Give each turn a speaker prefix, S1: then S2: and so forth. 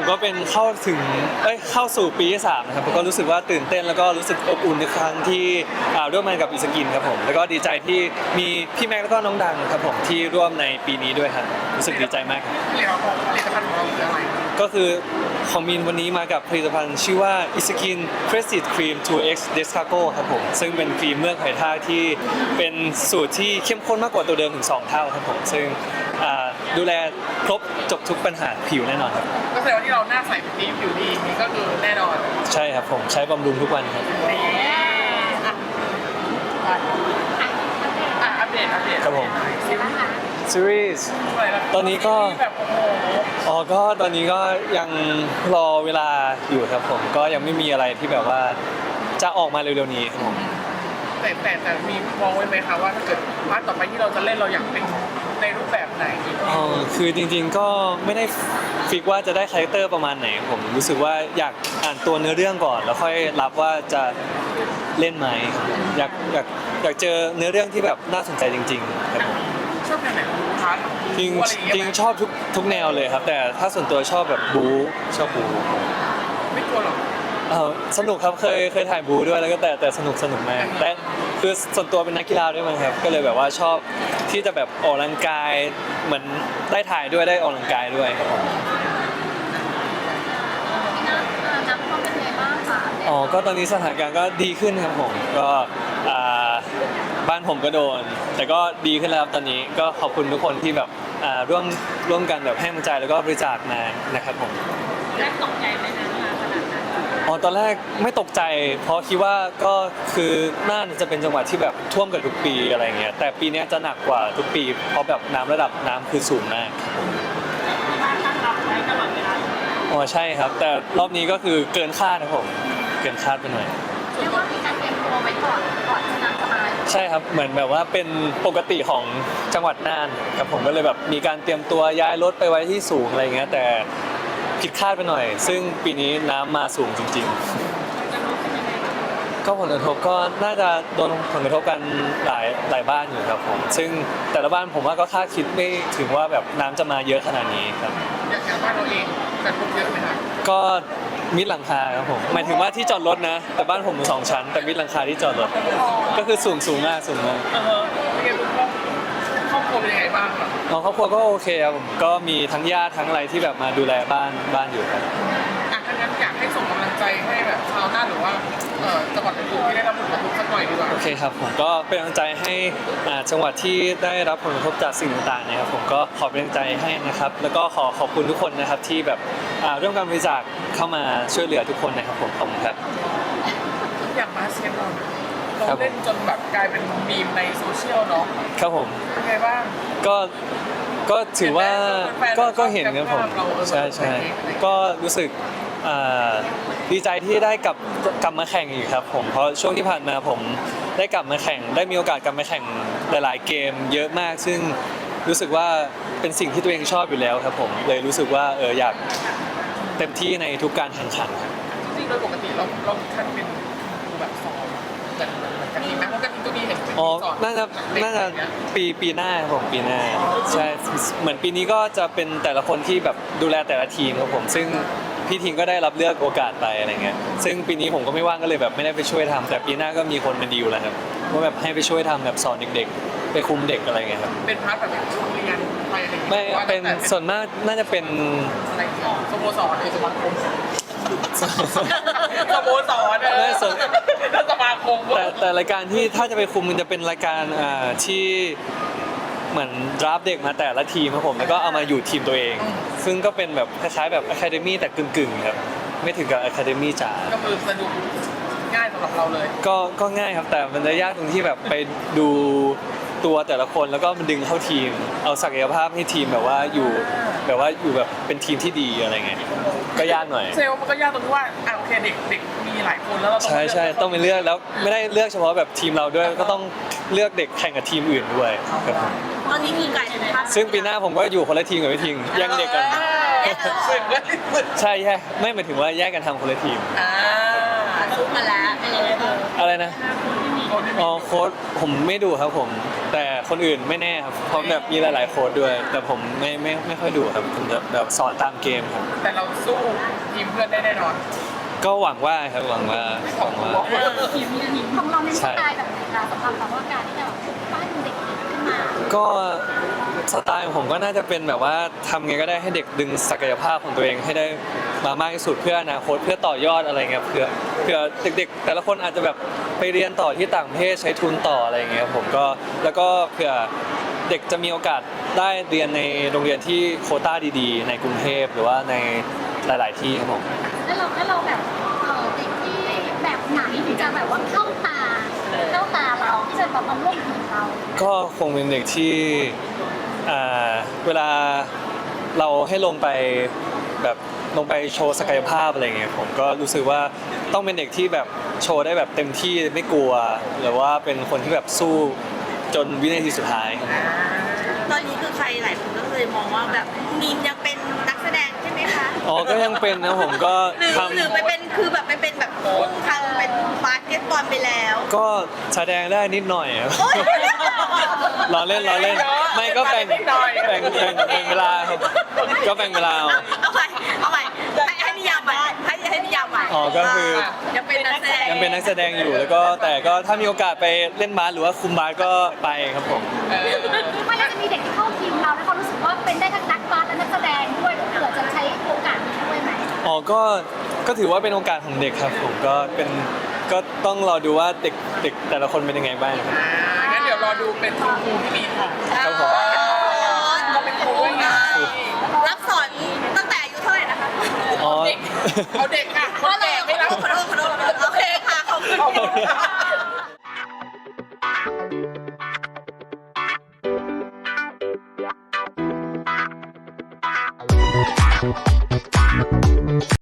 S1: ก็เป็นเข้าสู่ปีที่3นะครับก็รู้สึกว่าตื่นเต้นแล้วก็รู้สึกอบอุ่นในครั้งที่ร่วมงานกับอิสกินครับผมแล้วก็ดีใจที่มีพี่แม็กแล้วก็น้องดังครับผมที่ร่วมในปีนี้ด้วยครับรู้สึกดีใจมากครับ
S2: ผลิตภัณฑ์ของเราคืออะไร
S1: ก็คือของมินวันนี้มากับผลิตภัณฑ์ชื่อว่า Iskin Prestige Cream 2X Descargo ครับผมซึ่งเป็นครีมเมือกหอยทากที่เป็นสูตรที่เข้มข้นมากกว่าตัวเดิมถึง2เท่าครับผมซึ่งดูแลครบจบทุกปัญหาผิวแน่นอนครับ
S2: ก็แสดงว่าที่เราหน้าใสเป็นดีผิวดีนี่ก็คือแน่นอน
S1: ใช่ครับผมใช้บำรุงทุกวันครับ
S2: นี่อัปเดต
S1: ครับผม
S2: ซีรีส์
S1: ซีรีส์
S2: อะไรนะ
S1: ตอนนี้ก็
S2: แบบโอ้โห
S1: ก็ตอนนี้ก็ยังรอเวลาอยู่ครับผมก็ยังไม่มีอะไรที่แบบว่าจะออกมาเร็วๆนี้ครับผม
S2: แต่มีมองไว้ไหมคะว่าถ้าเกิดพาร์ทต่อไปที่เราจะเล่นเราอยากเป็นในรูปแบบไหน
S1: คือจริงๆก็ไม่ได้ฟิกว่าจะได้คาแรคเตอร์ประมาณไหนผมรู้สึกว่าอยากอ่านตัวเนื้อเรื่องก่อน แล้วค่อยรับว่าจะเล่นไหมครับผมอยากเจอเนื้อเรื่องที่แบบน่าสนใจจริงๆครับผม
S2: ชอบแนวไหนของพาร์ท
S1: จริง
S2: อะไรอย่างเงี้ย
S1: จริงชอบทุกแนวเลยครับ แต่ถ้าส่วนตัวชอบแบบชอบบู
S2: ไม่กลัวหรอก
S1: สนุกครับเคยถ่ายบูด้วยแล้วก็แต่สนุกมากแต่คือส่วนตัวเป็นนักกีฬาด้วยมั้งครับก็เลยแบบว่าชอบที่จะแบบออกกำลังกายเหมือนได้ถ่ายด้วยได้ออกกำลังกายด้วยครับผม
S3: น้ำท่วมเป็นไงบ้างคะ
S1: ก็ตอนนี้สถานการณ์ก็ดีขึ้นครับผมก็บ้านผมก็โดน แต่ก็ดีขึ้นแล้วครับตอนนี้ก็ขอบคุณทุกคนที่แบบร่วมกันแบบให้กำลังใจแล้วก็บริจาคมานะครับผม
S3: แรกตกใจไหมนะขนาดนั้น
S1: ตอนแรกไม่ตกใจเพราะคิดว่าก็คือน่านจะเป็นจังหวัดที่แบบท่วมกันทุกปีอะไรเงี้ยแต่ปีนี้จะหนักกว่าทุกปีเพราะแบบระดับน้ำคือสูงมาก
S3: บ้านตั้งรับไว้ตลอดเวลา
S1: ใช่ครับ แต่รอบนี้ก็คือเกินคาดครับผมเกินคาดไปหน่อย
S3: เรียกว่ามีการเตรียมตัวไว้ก่อนที่น้ำจะมา
S1: ใช่ครับเหมือนแบบว่าเป็นปกติของจังหวัดน่านครับผมก็เลยแบบมีการเตรียมตัวย้ายรถไปไว้ที่สูงอะไรเงี้ยแต่ผิดคาดไปหน่อย ซึ่งปีนี้น้ำมาสูงจริง ๆ ก็ผลกระทบก็น่าจะโดนผลกระทบกันหลายบ้านอยู่ครับผมซึ่งแต่ละบ้านผมว่าก็คาดคิดไม่ถึงว่าแบบน้ำจะมาเยอะขนาดนี้ครับ
S2: อย่างบ้านเราเองแต่ทุกเยอะไหมคะ
S1: ก็มิดหลังคาครับผมหมายถึงว่าที่จอดรถนะแต่บ้านผมมี2 ชั้น แต่มิดหลังคาที่จอดรถก็คือสูงมากเป็น
S2: ไงลูกครอบครัวเป็นยังไงบ้างครับ
S1: ครอบครัวก็โอเคครับผมก็มีทั้งญาติทั้งอะไรที่แบบมาดูแลบ้านอยู่ครับ
S2: ถ้างั้นอยากให้ส่งกำลังใจให้แบบชาวน่านหรือว่าจังหวัดอื่นๆที่ได้รับผลกระทบสักหน่อยดีกว่า
S1: โอเคครับผมก็เป็นกำลังใจให้จังหวัดที่ได้รับผลกระทบจากสิ่งต่างๆนะครับผมก็ขอเป็นกำลังใจให้นะครับแล้วก็ขอบคุณทุกคนนะครับที่แบบร่วมกันบริจาคเข้ามาช่วยเหลือทุกคนนะครับผมขอบคุณครับ
S2: อย่างบาสเกตบอลเราเล่นจนแบบกลายเป็นมีมในโซเชียลเนาะ
S1: ครับผม
S2: เป็นไงบ้าง
S1: ก็ถือว่า
S2: แฟนๆ
S1: ก็เห็นครับผม
S2: เรา
S1: ใช่ก็รู้สึกดีใจที่ได้กลับมาแข่งอีกครับผมเพราะช่วงที่ผ่านมาผมได้กลับมาแข่งได้มีโอกาสกลับมาแข่งหลายๆเกมเยอะมาก ซึ่งรู้สึกว่าเป็นสิ่งที่ตัวเองชอบอยู่แล้วครับผมเลยรู้สึกว่าอยากเต็มที่ในทุกการแข่งขันครับ
S2: จริงๆโดยปกติเราคันเป็นครูแบบสอนแต่เหมือนกันทีนะเพราะกันทีก็มีเห็นเป็น
S1: อ๋อ
S2: สอน
S1: น่าจะ
S2: เด็กอะไรเงี้ย
S1: ปีหน้าครับผมปีหน้าใช่เหมือนปีนี้ก็จะเป็นแต่ละคนที่แบบดูแลแต่ละทีมครับผมซึ่งพี่ทีมก็ได้รับเลือกโอกาสไปอะไรเงี้ยซึ่งปีนี้ผมก็ไม่ว่างก็เลยแบบไม่ได้ไปช่วยทำแต่ปีหน้าก็มีคนมาดีลแล้วครับว่าแบบให้ไปช่วยทำแบบสอนเด็กๆไปคุมเด็กอะไรเงี้ยครับ
S2: เป็นพาร์ทแบบโรงเรียนไปอะไรอย่างเงี้ย
S1: ไม่เป็นส่วนมากน่าจะเป็น
S2: อะไรอย่างเงี้ยสโมสรสมาคมสโมสรแล้วสมาคม
S1: แต่รายการที่ถ้าจะไปคุมมันจะเป็นรายการที่เหมือนดราฟเด็กมาแต่ละทีมครับผมแล้วก็เอามาอยู่ทีมตัวเอง ซึ่งก็เป็นแบบคล้ายๆแบบอะคาเดมี่แต่กึ่งๆครับไม่ถึงกับอะคาเดมี่จ๋า
S2: ก็คือสนุกง่ายสำหรับเราเลย
S1: ก็ง่ายครับแต่มันจะยากตรงที่แบบไปดูตัวแต่ละคนแล้วก็มันดึงเข้าทีม เอาศักยภาพให้ทีมแบบว่าอยู่แบบเป็นทีมที่ดีอะไรเงี้ยก็ยากหน่อย
S2: เซลล์มันก็ยากตรงที่ว่าโอเคเด็กมีหลายคนแล้วเราต้อง
S1: ใช่ต้องไปเลือกแล้วไม่ได้เลือกเฉพาะแบบทีมเราด้วยก็ต้องเลือกเด็กแข่งกับทีมอื่นด้วยครับผม
S3: ตอนนี้คือกลายเป็นภาพ
S1: ซึ่งปีหน้าผมก็อยู่คนละทีมกับพี่ทิงแย่งเด็กกัน
S2: สึกเลย
S1: ใช่ไม่หมายถึงว่าแยกกันทำคนละทีม
S3: ซุกมาแล้วเป็นยังไงบ้าง
S1: อะไรนะ
S3: ที่มี
S2: โค้ดที่มี
S1: อ๋อโค้ดผมไม่ดูครับผมแต่คนอื่นไม่แน่ครับเพราะแบบมีหลายๆโค้ดด้วย แต่ผมไม่ค่อยดูครับผมจะแบบสอนตามเกมครับ
S2: แต่เราสู้ทีมเพื่อนได้แน่นอน
S1: ก็หวังว่าครับหวังว่า
S3: ทีมของเราในสไตล์แบบไหนคะสำหรับเราว่าการที่จะแบบปั้นเด็กขึ้นมา
S1: ก็สไตล์ของผมก็น่าจะเป็นแบบว่าทำไงก็ได้ให้เด็กดึงศักยภาพของตัวเองให้ได้มามากที่สุดเพื่ออนาคตเพื่อต่อยอดอะไรเงี้ยเพื่อเด็กๆ แต่ละคนอาจจะแบบไปเรียนต่อที่ต่างประเทศใช้ทุนต่ออะไรเงี้ยผมก็แล้วก็เผื่อเด็กจะมีโอกาสได้เรียนในโรงเรียนที่โควต้าดีๆ ในกรุงเทพหรือว่าในหลาย ๆที่ครับผม
S3: แล้วเราแบบเด็กที่แบบไหนถึงจะแบบว่าเข้าตาเราที่จะแบบมาร่วมทีมเรา
S1: ก็คงเป็นเด็กที่เวลาเราให้ลงไปแบบลงไปโชว์ศักยภาพอะไรเงี้ยผมก็รู้สึกว่าต้องเป็นเด็กที่แบบโชว์ได้แบบเต็มที่ไม่กลัว หรือว่าเป็นคนที่แบบสู้จนวินาทีสุดท้าย
S4: ตอนนี้คือใครหลายคนก็เลยมองว่าแบบมีนยังเป็นนักแสดงใช่ไหมคะ
S1: อ๋อก็ยังเป็นนะผมก็
S4: หรือ
S1: ทำ
S4: หรือไปเป็นคือแบบไปเป็นแบบพุ่งทางเป็นบาสเกตบอลไปแล้ว
S1: ก็แสดงได้นิดหน่อยครับ
S4: โอ๊ย
S1: ล้อเล่นไม่ก็แบ่งเวลาครับก็แบ่งเวลาเอา
S4: เอาใหม่ให้นิยามใหม่ให้นิยามใหม่
S1: อ๋อก็คือ
S4: ยังเป็นนักแสดง
S1: ยังเป็นนักแสดงอยู่แล้วก็แต่ก็ถ้ามีโอกาสไปเล่นบาสหรือว่าคุมบาสก็ไปครับผม
S3: ไม่แล้วจะมีเด็กที่เข้าทีมเราแล้วเขารู้สึกว่าเป็นได้ทั้งนักบาสและนักแสดงด้วยเผื่อจะใช้โอกาสนี้ช่วยไหม
S1: อ๋อก็ถือว่าเป็นโอกาสของเด็กครับผมก็ต้องรอดูว่าเด็กแต่ละคนเป็นยังไงบ้างครับ
S2: งั้นเดี๋ยวรอดูเป็นครูที่มีค่ะ
S1: ครับผม
S2: ก็เป็นครูด้วยไง
S4: รับสอนตั้งแต่อายุเท่าไหร่นะคะ
S1: อ๋อ
S2: เอาเด็กค่ะคนแก่ไม่รับ
S4: ขอโทษโอเคค่ะขอบคุณ
S2: ขอบคุณค่ะ